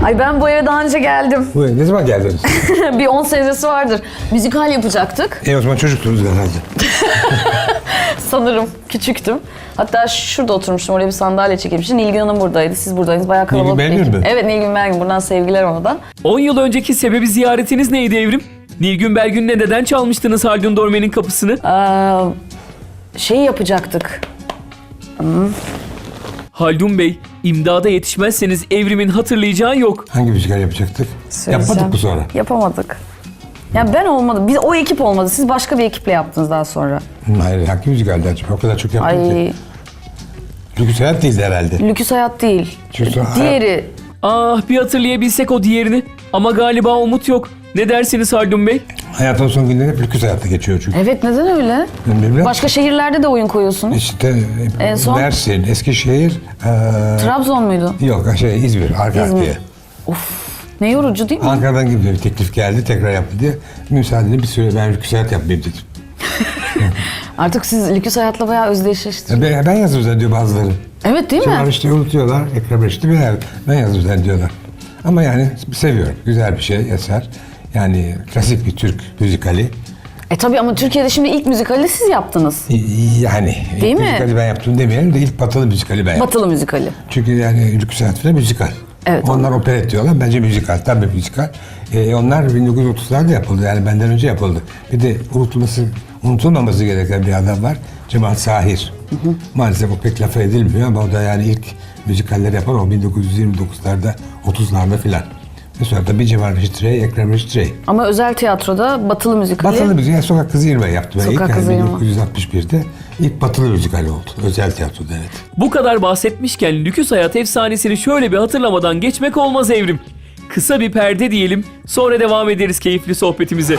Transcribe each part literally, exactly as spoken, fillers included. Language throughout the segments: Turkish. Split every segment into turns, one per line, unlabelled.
Ay ben bu eve daha önce geldim.
Bu eve ne zaman geldiniz?
Bir on senesi vardır. Müzikal yapacaktık.
E o zaman çocuktunuz herhalde.
Sanırım küçüktüm. Hatta şurada oturmuştum, oraya bir sandalye çekilmişti. Nilgün Hanım buradaydı, siz buradaydınız. Bayağı kalabalık.
Nilgün Belgün mü?
Evet, Nilgün Belgün. Buradan sevgiler ona.
on yıl önceki sebebi ziyaretiniz neydi Evrim? Nilgün Belgün'le neden çalmıştınız Haldun Dorme'nin kapısını?
Ee, şey yapacaktık. Hmm.
Haldun Bey, imdada yetişmezseniz Evrim'in hatırlayacağı yok.
Hangi müzikal yapacaktık?
Söyleyeceğim.
Yapmadık mı sonra?
Yapamadık. Ya ben olmadım. Biz, o ekip olmadı. Siz başka bir ekiple yaptınız daha sonra.
Hayır, hangi müzikaldi acaba? O kadar çok yaptık
Ay,
ki. Lüküs Hayat değildi herhalde.
Lüküs Hayat değil.
Lüküs Hayat-
Diğeri.
Ah, bir hatırlayabilsek o diğerini. Ama galiba umut yok. Ne dersiniz Haldun Bey?
Hayatın son günleri hep Lüküs Hayat'ta geçiyor çünkü.
Evet, neden öyle?
Bilmem.
Başka şehirlerde de oyun koyuyorsunuz.
İşte
En son-
Mersin, Eskişehir, eee,
Trabzon muydu?
yok şey İzmir, arka
İzmir.
arkaya.
Ne yorucu değil mi?
Ankara'dan gibi bir teklif geldi, tekrar yaptı diye. Müsaadenle bir süre ben Lüküs Hayat yapmayayım dedim.
Artık siz Lüküs Hayat'la bayağı özdeşleştiniz.
Ben, ben yazdım zannediyor bazıları.
Evet değil
Sonra
mi?
işte unutuyorlar, Ekrem Reşit'i ben, ben yazdım zannediyorlar. Ama yani seviyorum, güzel bir şey, eser. Yani klasik bir Türk müzikali.
E tabii ama Türkiye'de şimdi ilk müzikali siz yaptınız.
Yani
Değil
ilk
mi?
müzikali ben yaptım demeyelim de ilk batılı müzikali ben yaptım.
Batılı müzikali.
Çünkü yani Lüküs Hayat falan müzikal.
Evet,
onlar operet diyorlar, bence müzikal, tabii müzikal. Ee, onlar bin dokuz yüz otuzlarda yapıldı, yani benden önce yapıldı. Bir de unutulması, unutulmaması gereken bir adam var, Cemal Sahir. Hı hı. Maalesef o pek laf edilmiyor ama o da yani ilk müzikalleri yapan o bin dokuz yüz yirmi dokuzlarda, otuzlarda filan. Ve sonra da bir Cemal Reşit Rey, Ekrem Reşit Rey.
Ama özel tiyatroda batılı müzikali.
Batılı müzik, yani Sokak Kızı Yirmi yaptım ben ilk.
Sokak
Yani
Kızı Yirmi.
bin dokuz yüz altmış birde ilk batılı müzikali oldu, özel tiyatroda evet.
Bu kadar bahsetmişken Lüküs Hayat efsanesini şöyle bir hatırlamadan geçmek olmaz Evrim. Kısa bir perde diyelim, sonra devam ederiz keyifli sohbetimize.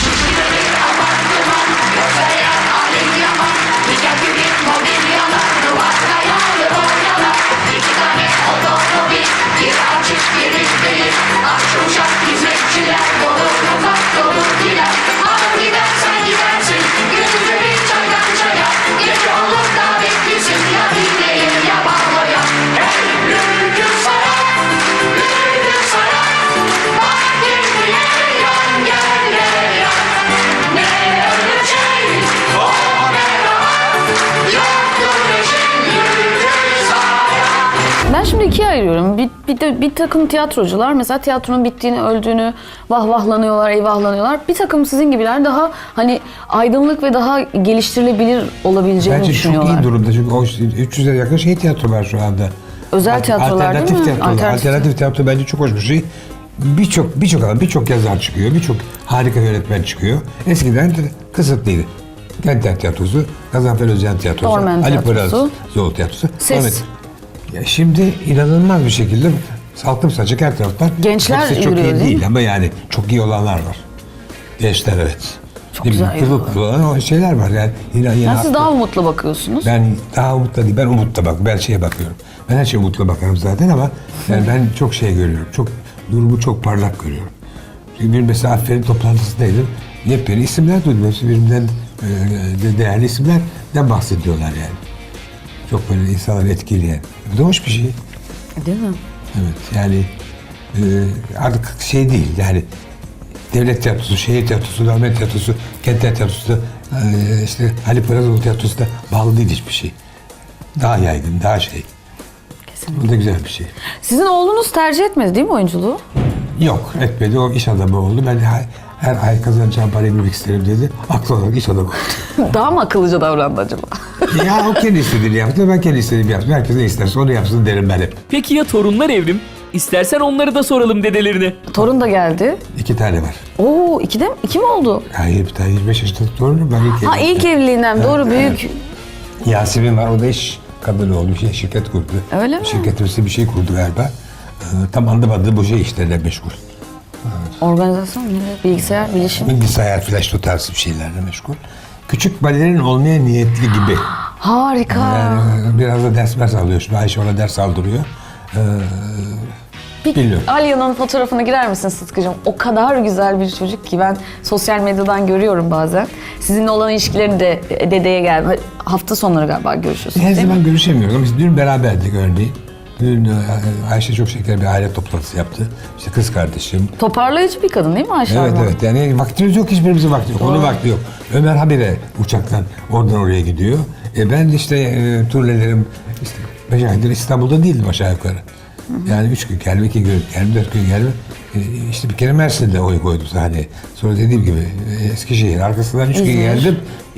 Ben şimdi ikiye ayırıyorum. Bir, bir de bir takım tiyatrocular mesela tiyatronun bittiğini, öldüğünü vahvahlanıyorlar, eyvahlanıyorlar. Bir takım sizin gibiler daha hani aydınlık ve daha geliştirilebilir olabileceğini
Bence
düşünüyorlar.
çok iyi durumda çünkü o üç yüze yakın şey tiyatro var şu anda.
Özel tiyatrolar
alternatif
değil mi?
Tiyatrolar.
Alternatif.
Alternatif tiyatro bence çok hoş bir şey. Birçok birçok adam, birçok yazar çıkıyor, birçok harika yönetmen çıkıyor. Eskiden de kısıtlıydı. Kentler Tiyatrosu, Gazanfer Özcan Tiyatrosu,
Dormen
Ali Poyraz
Tiyatrosu.
Zoğlu Tiyatrosu.
Ses.
Evet. Ya şimdi inanılmaz bir şekilde salkım saçık her taraftan.
Gençler
Hepsi çok
yürüyor,
iyi
değil
değil
mi?
ama yani çok iyi olanlar var. Gençler evet.
Çok
Değil mi?
güzel
Pırıl
yürüyorlar.
pırıl olan o şeyler var yani. Yine, yine
Yani siz
haklı.
daha umutlu bakıyorsunuz.
Ben daha umutla değil, ben umutla bak, ben şeye bakıyorum. Ben her şeye umutla bakarım zaten ama yani ben çok şey görüyorum, çok durumu çok parlak görüyorum. Çünkü bir mesela Aferin toplantısındaydım, yepyeni isimler duydum. Hepsi birbirinden e, değerli isimlerden bahsediyorlar yani. Çok böyle insanları etkileyen. Bu da hoş bir şey.
Değil mi?
Evet yani e, artık şey değil yani devlet tiyatrosu, şehir tiyatrosu, Dormen tiyatrosu, kentler tiyatrosu, e, işte Ali Poyrazoğlu tiyatrosu da bağlı değil hiçbir şey. Daha yaygın, daha şey.
Kesinlikle.
Bu da güzel bir şey.
Sizin oğlunuz tercih etmedi değil mi oyunculuğu?
Yok etmedi, o iş adamı oldu. Ben her, her ay kazanacağım parayı bilmek isterim dedi. Aklı olarak iş adamı oldu.
Daha mı akıllıca davrandı acaba?
Ya o kendi istediğini yaptı, ben kendi istediğimi yaptım. Herkes ne isterse onu yapsın derim ben hep.
Peki ya torunlar Evrim? İstersen onları da soralım dedelerine.
Torun da geldi.
İki tane var.
Oo, iki de mi? İki mi oldu?
Hayır, bir tane yirmi beş yaşında torunum. Ben ilk
Ha
evliyim.
ilk evliliğinden doğru büyük.
Yasemin var, o da iş kadını oldu, bir şey, şirket kurdu.
Öyle mi?
Şirketimizde bir şey kurdu galiba. Ee, tam anlamadığı bu şey işlerle meşgul.
Organizasyon, ne? Bilgisayar, bilişim.
Bilgisayar, flash o tarz bir şeylerle meşgul. Küçük balerin olmaya niyetli gibi.
Harika.
Yani biraz da ders ders alıyor. Şimdi Ayşe ona ders aldırıyor. Ee,
Bir
bilmiyorum.
Alya'nın fotoğrafına girer misin Sıtkı'cığım? O kadar güzel bir çocuk ki ben sosyal medyadan görüyorum bazen. Sizinle olan ilişkilerini de dedeye geldi. Hafta sonları galiba görüşüyorsunuz
Her
değil mi?
zaman görüşemiyoruz ama biz dün beraberdik örneğin. Dün e, Ayşe çok şeker bir aile toplantısı yaptı. İşte kız kardeşim.
Toparlayıcı bir kadın değil mi Ayşe
Evet
abla?
evet yani vaktimiz yok, hiçbirimizin vakti yok. Onun vakti yok. Ömer habire uçaktan oradan oraya gidiyor. E ben işte e, turnelerim işte beş aydır İstanbul'da değildim aşağı yukarı. Yani üç gün gelme, iki gün gelme, dört gün gelme. E, işte bir kere Mersin'de oy koydum sahneye. Sonra dediğim gibi e, Eskişehir, arkasından üç gün
İzmir.
geldim.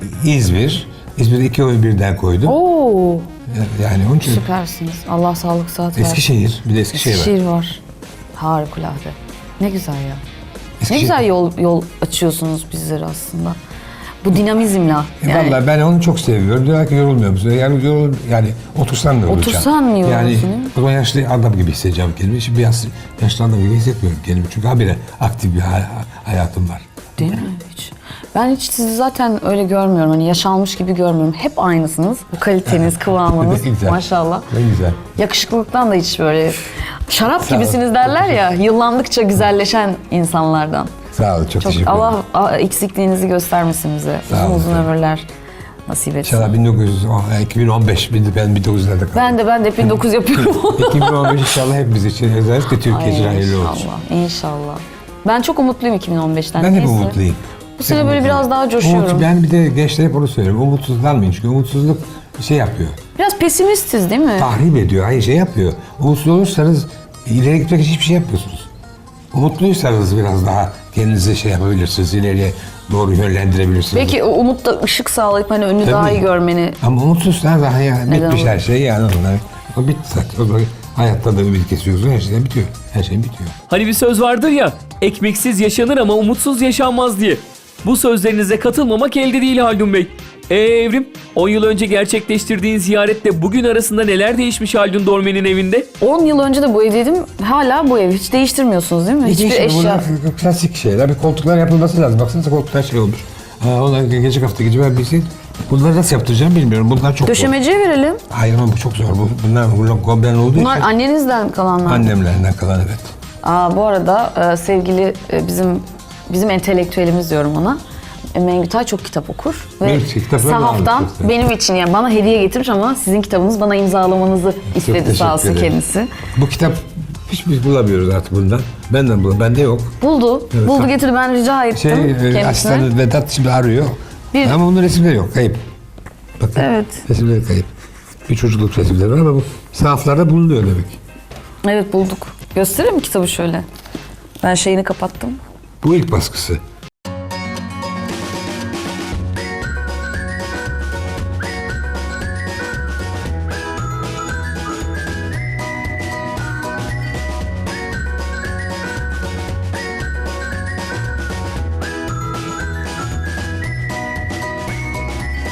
İzmir. İzmir'de iki oy birden koydum.
Oo,
Yani onun için
süpersiniz. Allah sağlık saat versin.
Eskişehir, bir de Eskişehir, var.
Eskişehir var. Harikulade. Ne güzel ya. Ne
Eskişehir-
güzel yol yol açıyorsunuz bizlere aslında. Bu dinamizmle.
E
Yani
Vallahi ben onu çok seviyorum. Diyorlar ki yorulmuyor musun? Yani yorul, yani otursan da yorulacağım.
Otursan mı yorulursun,
Yani
değil mi?
o zaman yaşlı adam gibi hissedeceğim kendimi. Şimdi biraz yaşlı adam gibi hissetmiyorum kendimi. Çünkü habire aktif bir hay- hayatım var.
değil mi hiç? Ben hiç sizi zaten öyle görmüyorum. Hani yaşanmış gibi görmüyorum. Hep aynısınız. Bu kaliteniz, kıvamınız
Ne güzel.
maşallah.
Ne güzel.
Yakışıklılıktan da hiç böyle şarap
Sağ ol.
gibisiniz derler ya. Yıllandıkça güzelleşen insanlardan.
Sağ olun, çok,
Çok
teşekkür ederim.
Allah a- eksikliğinizi göstermesin bize.
Sağ
Uzun
olun
uzun
efendim.
ömürler nasip etsin.
İnşallah bin dokuz yüz on, iki bin on beş, ben bin dokuz yüzlerde kaldım.
Ben de ben de bin dokuz yapıyorum.
iki bin on beş inşallah hepimiz için, özellikle Türkiye için
Ay,
hayırlı olsun.
İnşallah, inşallah. Ben çok umutluyum iki bin on beşten.
Ben hep
Neyse.
umutluyum.
Bu sene
Hep
böyle
umutluyum.
biraz daha coşuyorum.
Umut, ben bir de gençlere hep onu söylüyorum. Umutsuzlanmayın çünkü umutsuzluk bir şey yapıyor.
Biraz pesimistiz değil mi?
Tahrip ediyor, hayır şey yapıyor. Umutsuz olursanız ileri gitmek için hiçbir şey yapmıyorsunuz. Umutluysanız biraz daha kendinizi şey yapabilirsiniz, ileriye doğru yönlendirebilirsiniz.
Belki o umut da ışık sağlayıp hani önünü daha
Tabii.
iyi görmeni.
Ama umutsuzsan daha ya, bitmiş
olur?
her şey yani onlar. O bitti zaten. O zaman hayatta da ümit kesiyorsun, her şeyden bitiyor. Her şey bitiyor.
Hani bir söz vardır ya, ekmeksiz yaşanır ama umutsuz yaşanmaz diye. Bu sözlerinize katılmamak elde değil Haldun Bey. Ee Evrim, on yıl önce gerçekleştirdiğin ziyaretle bugün arasında neler değişmiş Haldun Dormen'in evinde?
on yıl önce de bu evdeydim. Hala bu evi hiç değiştirmiyorsunuz değil mi? Hiçbir
Hiçbir
eşya.
Bunlar klasik şeyler. Bir koltuklar yapılması lazım. Baksanıza koltuklar şey olmuş. Ha, onlar gelecek hafta gece ben bilseydim. Bunları nasıl yaptıracağım bilmiyorum. Bunlar çok zor.
Döşemeciye verelim.
Hayır ama bu çok zor. Bu, bunlar bunlar goblen olduğu
Bunlar
için
annenizden kalanlar.
annemlerinden kalan evet.
Aa, bu arada e, sevgili e, bizim bizim entelektüelimiz diyorum ona. E, Mengütay çok kitap okur. Ve
Evet, kitaplarını
sahaftan
almışsın.
benim için yani bana hediye getirmiş ama sizin kitabınız bana imzalamanızı istedi
teşekkür
sağ olsun
ederim.
kendisi.
Bu kitap hiç biz bulamıyoruz artık bundan. Benden bulamıyorum. Bende yok.
Buldu.
Evet,
Buldu
sağ-
getirdi ben rica ettim
Şey, e,
kendisine.
asistanı Vedat şimdi arıyor.
Bir-
Ama bunun resimleri yok. Kayıp. Bakın.
Evet.
Resimleri kayıp. Bir çocukluk resimleri var ama bu sahaflarda bulunuyor demek.
Evet bulduk. Göstereyim mi kitabı şöyle? Ben şeyini kapattım.
Bu ilk baskısı.